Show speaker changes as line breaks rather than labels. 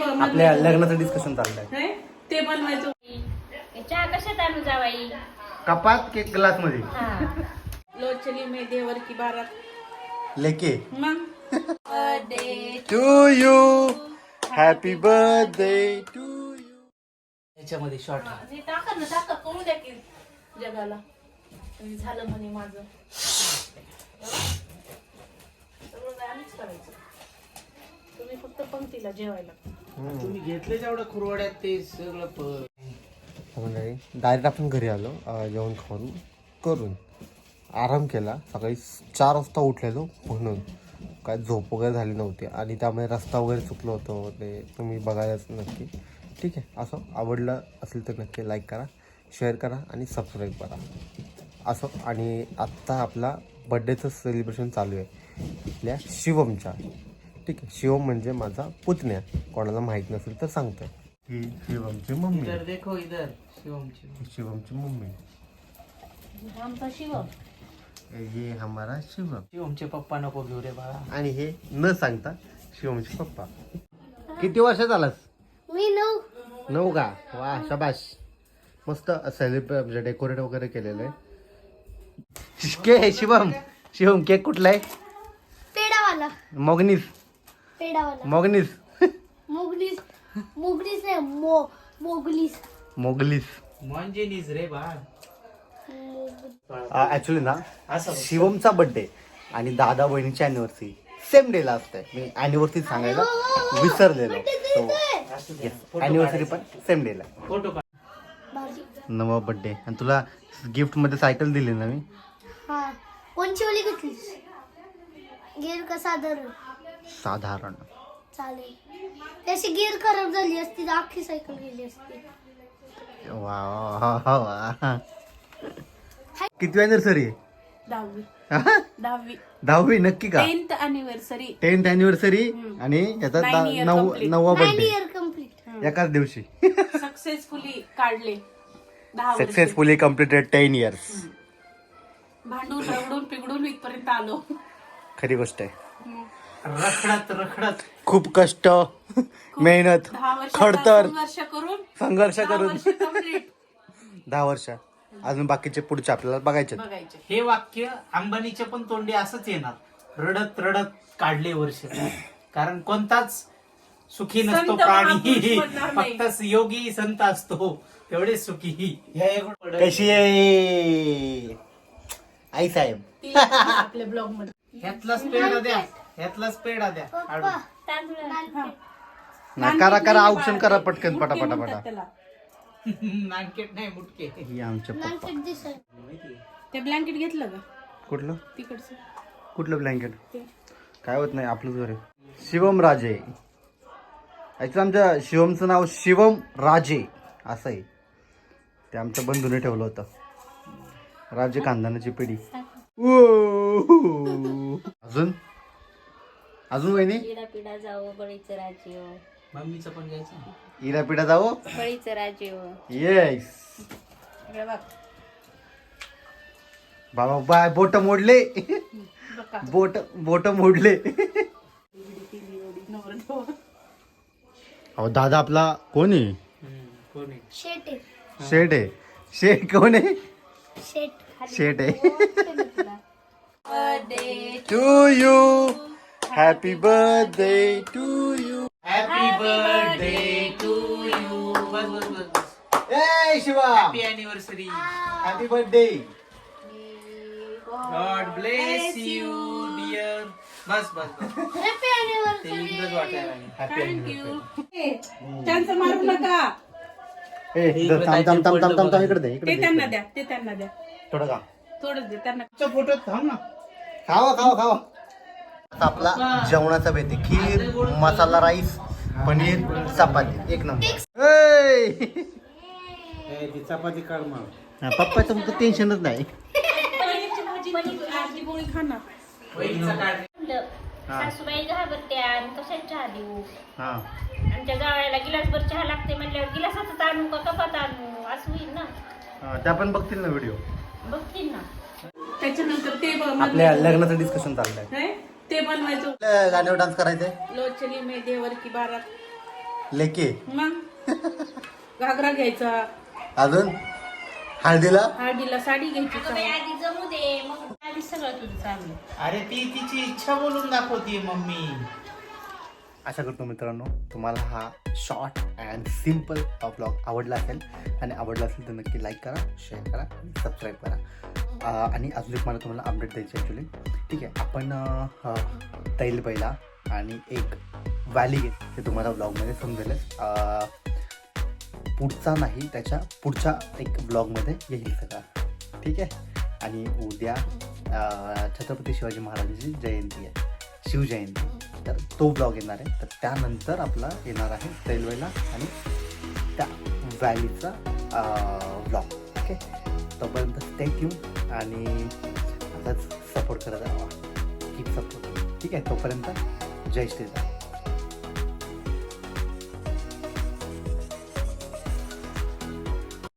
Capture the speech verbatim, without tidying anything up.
आपल्या लग्नाचं डिस्कशन चाललंय.
ते बनवायचं.
चहा कशात आणू जावाई?
कपात के ग्लास मध्ये.
लो चली मैं देवर की बारात
लेके
मग
birthday
to you, happy birthday to you.
याच्यामध्ये शॉर्ट टाका ना, टाका कळू द्या की जगाला झालं म्हणे माझं. सगळं आम्हीच करायचं, तुम्ही फक्त पंक्तीला जेवायला.
तुम्ही घेतले जेवढं खुरवड्यात ते सगळं
डायरेक्ट आपण घरी आलो, जेवण खाऊन करून आराम केला. सकाळी चार वाजता उठलेलो म्हणून काय झोप वगैरे झाली नव्हती आणि त्यामुळे रस्ता वगैरे चुकलो होतो, ते तुम्ही बघायलाच नक्की. ठीक आहे, असं आवडलं असेल तर नक्की लाईक करा, शेअर करा आणि सबस्क्राईब करा असं. आणि आत्ता आपला बड्डेचं सेलिब्रेशन चालू आहे आपल्या शिवमच्या. ठीक आहे, शिवम म्हणजे माझा पुतण्या, कोणाला माहीत नसेल तर सांगतोय. ही शिवमची मम्मी.
इधर देखो इधर शिवमची
शिवमची मम्मी.
आमचा शिवम.
हे हमारा शिवम.
शिवमचे पप्पा नको घेऊ रे बाळा.
आणि हे न सांगता शिवमचे पप्पा. किती वर्ष झालास?
मी नऊ.
नऊ का? वा शाबाश. मस्त सेलिब्रेट डेकोरेट वगैरे केलेलं आहे. के शिवम, शिवम केक कुठला आहे?
पेडावाला.
मोगनीस.
पेडावाला.
मोगनीस.
मुगलीस. मुगलीस नाही, मो मोगलीस.
मोगलीस.
मंजेनीस रे बाळ.
ऍक्च्युली ना शिवमचा बर्थडे आणि दादा बहिणीची अॅनिव्हर्सरी सेम डेला असते. मी अॅनिव्हर्सरी सांगायला विसरलेलो. अॅनिव्हर्सरी पण सेम डेला.
फोटो काढ.
नवा बर्थडे. आणि तुला गिफ्ट मध्ये सायकल दिली ना मी.
हा, कोणची ओली घेतलीस? गिअर का साधारण?
साधारण.
चालेल. त्याची गिअर खराब झाली असती तर अख्खी सायकल गेली असती.
वा वा वा. किती अॅनिव्हर्सरी आहे?
दहावी. दहावी.
दहावी नक्की का?
Tenth anniversary.
टेन्थ अॅनिव्हर्सरी आणि याचा
Nine
दा-
year
नऊ
complete.
नववा
नाईन
बर्थडे
इयर कम्प्लीट.
एकाच दिवशी.
सक्सेसफुली काढले दहा वर्ष.
Successfully completed ten years.
भांडून रगडून पिगडून इथपर्यंत आलो.
खरी गोष्ट आहे.
रखडत रखडत
खूप कष्ट, मेहनत,
दहा वर्ष
खडतर,
संघर्ष करून
संघर्ष
दहा
करून
वर्ष complete
दहा वर्ष. अजून बाकीचे पुढचे आपल्याला बघायचे.
बघायचे.
हे वाक्य अंबानीच्या पण तोंडी असंच येणार. रडत रडत काढले वर्ष. कारण कोणताच सुखी नसतो
संत
प्राणी,
महापुरुष म्हणणार नाही.
फक्त योगी संत असतो तेवढेच सुखी.
कशी आहे आई साहेब?
ती आपल्या ब्लॉग मध्ये.
ह्यातलाच पेढा द्या, ह्यातलाच पेढा द्या. काढून.
ना करा करा औक्षण करा पटकन पटा पटा पटा.
त्याला
नानकेट नाही मुटके.
ही आमचे पप्पा.
ते ब्लँकेट घेतलं का
कुठलं
तिकडचं?
कुठलं ब्लँकेट?
ते.
काय होत नाही, आपलंच घर आहे. शिवम राजे. ऍक्च्युली आमच्या शिवमचं नाव शिवम राजे असं आहे. ते आमच्या बंधूने ठेवलं होतं. राजे खानदानाची पिढी. अजून अजून वहिनी.
पिढा पिढा जाओ बळीचं राज्य.
मम्मीचं पण घ्यायचं.
इरा पिढा जावो.
बळीचं राज्य.
येस.
हे बघ.
बाबा बाय बोट मोडले. बोट बोट मोडले. अहो दादा आपला कोण आहे?
कोण आहे?
शेट आहे.
शेठ आहे. शेठ कोण आहे?
शेट.
शेठ आहे.
Birthday
to you, happy birthday to you.
Happy birthday to you. बस बस बस बस.
ए Shiva,
happy anniversary.
Happy birthday.
God bless you dear. बस बस बस.
हॅपी
ते इंग्रज वाटायला लागले.
Happy
thank you. त्यांचं मारू नका.
ए थांब थांब थांब थांब थांब थांब इकडे दे, इकडे
ते
दे.
त्यांना द्या, ते त्यांना द्या.
थोडं का
थोडं दे त्यांना.
फोटो थांब ना.
खावा खावा खावा. आता आपला जेवणाचा बेत आहे. खीर, मसाला राईस, पनीर, चपाती. एक नंबर. ए
चपाती काढ मग.
पप्पा तुमचं टेन्शनच नाही.
पनीरची भाजी, भाजी पोळी खा ना.
वहिनीचा काढ.
सासूबाई घाबरत्या आणि कशात चहा देऊ.
हा
आमच्या जावयाला गिलासभर चहा लागते म्हणल्यावर गिलासातच आणू का कपात आणू असं होईल ना.
हा, त्या पण बघतील ना व्हिडिओ.
बघतील ना.
त्याच्यानंतर ते
आपल्या लग्नाचं डिस्कशन चाललंय.
ते बनवायचं.
गाण्यावर डान्स करायचंय.
लो चली मैं देवर की बारात.
लेके
मग घागरा घ्यायचा,
अजून हळदीला
हळदीला साडी घ्यायची
अगं बाई, आधी जमू दे, मग आधी सगळं तुझं चालू.
अरे ती तिची इच्छा बोलून दाखवते मम्मी.
आशा करतो मित्रांनो तुम्हाला हा शॉर्ट अँड सिम्पल ब्लॉग आवडला असेल, आणि आवडला असेल तर नक्की लाईक करा, शेअर करा, सबस्क्राईब करा. अं, आणि अजून एक मला तुम्हाला अपडेट द्यायची ॲक्च्युली. ठीक आहे, आपण अं, तैल बैला आणि एक व्हॅली घेत ते तुम्हाला ब्लॉगमध्ये समजेलच. अं, पुढचा नाही, त्याच्या पुढच्या एक ब्लॉगमध्ये येईल सगळं. ठीक आहे. आणि उद्या अं, छत्रपती शिवाजी महाराजांची जयंती आहे, शिवजयंती, तर तो ब्लॉग येणार आहे. तर त्यानंतर आपला येणार आहे तैलवेला आणि त्या व्हॅलीचा ब्लॉग. ओके, तोपर्यंत स्टे ट्यून आणि आताच सपोर्ट करत राहा, कीप सपोर्ट. ठीक आहे, तोपर्यंत जय श्रीराम.